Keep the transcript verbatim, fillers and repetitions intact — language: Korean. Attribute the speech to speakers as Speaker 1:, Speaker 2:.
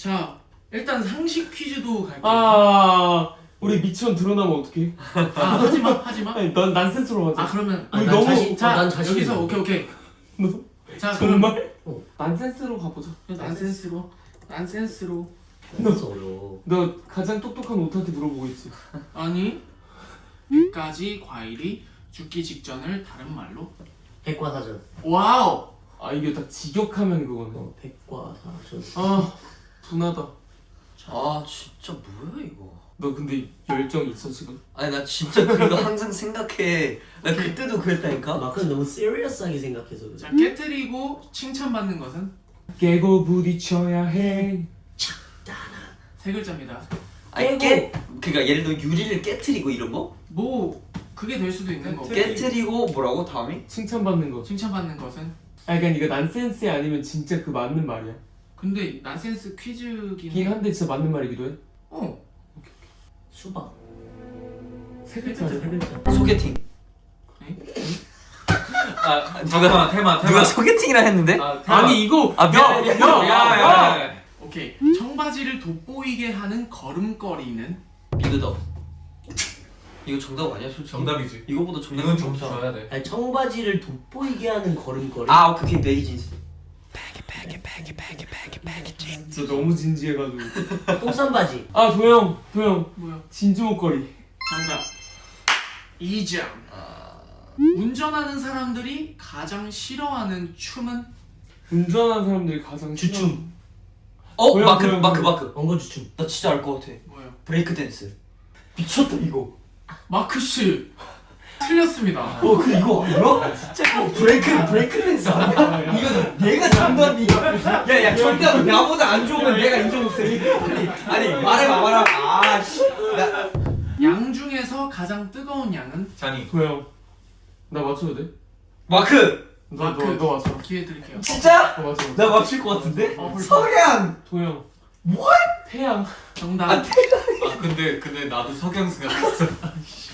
Speaker 1: 자, 일단 상식 퀴즈도 갈게요.
Speaker 2: 아 우리 미천 드러나면 어떡해?
Speaker 1: 아, 하지마, 하지마.
Speaker 2: 아니 넌 난센스로 하자.
Speaker 1: 아, 그러면
Speaker 3: 아,
Speaker 2: 우리
Speaker 3: 난
Speaker 2: 너무-
Speaker 3: 자신,
Speaker 1: 자,
Speaker 3: 어, 난 자신
Speaker 1: 여기서
Speaker 3: 있어.
Speaker 1: 오케이, 오케이.
Speaker 2: 너
Speaker 1: 자, 그럼
Speaker 2: 정말?
Speaker 3: 어.
Speaker 2: 난센스로 가보자.
Speaker 1: 난센스로, 난센스로.
Speaker 3: 너무 어려워.
Speaker 2: 너 가장 똑똑한 오타한테 물어보고 있지.
Speaker 1: 아니, 백 가지 과일이 죽기 직전을 다른 말로.
Speaker 3: 백과사전.
Speaker 1: 와우.
Speaker 2: 아 이게 딱 직역하면 그거네.
Speaker 3: 어, 백과사전.
Speaker 2: 아 분하다.
Speaker 4: 아 진짜 뭐야 이거.
Speaker 2: 너 근데 열정 있어 지금?
Speaker 4: 아니 나 진짜 그거 항상 생각해. 나 그때도 그랬다니까.
Speaker 3: 마크는 너무 시리어스하게 생각해서 그래.
Speaker 1: 자, 깨트리고 칭찬받는 것은
Speaker 2: 깨고 부딪혀야 해.
Speaker 1: 세 글자입니다.
Speaker 4: 아니 깨 그러니까 예를 들어 유리를 깨트리고 이런 거?
Speaker 1: 뭐 그게 될 수도 있는 거고.
Speaker 4: 깨트리고 뭐라고 다음이?
Speaker 2: 칭찬받는 거.
Speaker 1: 칭찬받는 것은.
Speaker 2: 아 그러니까 이거 난센스 아니면 진짜 그 맞는 말이야.
Speaker 1: 근데 난센스 퀴즈긴
Speaker 2: 긴 한데 진짜 맞는 말이기도 해.
Speaker 1: 어.
Speaker 3: 수박.
Speaker 2: 세
Speaker 3: 세
Speaker 2: 글자래.
Speaker 3: 글자.
Speaker 4: 소개팅.
Speaker 5: 아 누가 테마 테마
Speaker 4: 누가 소개팅이라 했는데?
Speaker 5: 아, 테마.
Speaker 2: 아니 이거
Speaker 4: 아 미안.
Speaker 5: 야야야
Speaker 1: 오케이. 청바지를 돋보이게 하는 걸음걸이는.
Speaker 4: 비그덕. 이거 정답 아니야 솔직히?
Speaker 5: 정답이지.
Speaker 4: 이거보다 정답.
Speaker 5: 이건 점수 줘야 돼.
Speaker 3: 아니 청바지를 돋보이게 하는 걸음걸이.
Speaker 4: 아 오케이 베이진스.
Speaker 2: 진짜 너무 진지해가지고.
Speaker 3: 똥싼바지.
Speaker 2: 아 도영 도영
Speaker 1: 뭐야?
Speaker 2: 진주 목걸이.
Speaker 1: 정답. 이 점.
Speaker 4: 아
Speaker 1: 운전하는 사람들이 가장 싫어하는 춤은.
Speaker 2: 운전하는 사람들이 가장
Speaker 3: 주춤.
Speaker 4: 어
Speaker 2: 뭐야,
Speaker 4: 마크
Speaker 2: 뭐야,
Speaker 4: 마크
Speaker 2: 뭐야.
Speaker 4: 마크.
Speaker 3: 엉거주춤.
Speaker 4: 나 진짜 알 것 같아.
Speaker 1: 뭐요?
Speaker 4: 브레이크 댄스.
Speaker 3: 미쳤다 이거.
Speaker 1: 마크 씨. 틀렸습니다.
Speaker 4: 어 그 이거 알아? 진짜 어, 브레이크 브레이크 댄스 아니야? 이거 내가 정답이야. 야야 정답 나보다 안 좋으면 내가 인정 못해. 아니 아니 말해봐 말해봐. 아씨. 나
Speaker 1: 양 중에서 가장 뜨거운 양은.
Speaker 5: 잔이.
Speaker 2: 도영 나 맞춰도 돼?
Speaker 4: 마크.
Speaker 1: 마크.
Speaker 2: 너너 너 맞춰.
Speaker 1: 기회 드릴게요.
Speaker 4: 진짜?
Speaker 2: 너 맞춰.
Speaker 4: 나 맞출 것 같은데?
Speaker 1: 어, 벌써.
Speaker 4: 석양.
Speaker 2: 도영.
Speaker 4: What?
Speaker 2: 태양.
Speaker 1: 정답.
Speaker 4: 아 태양.
Speaker 5: 아 근데 근데 나도 석양 생각했어.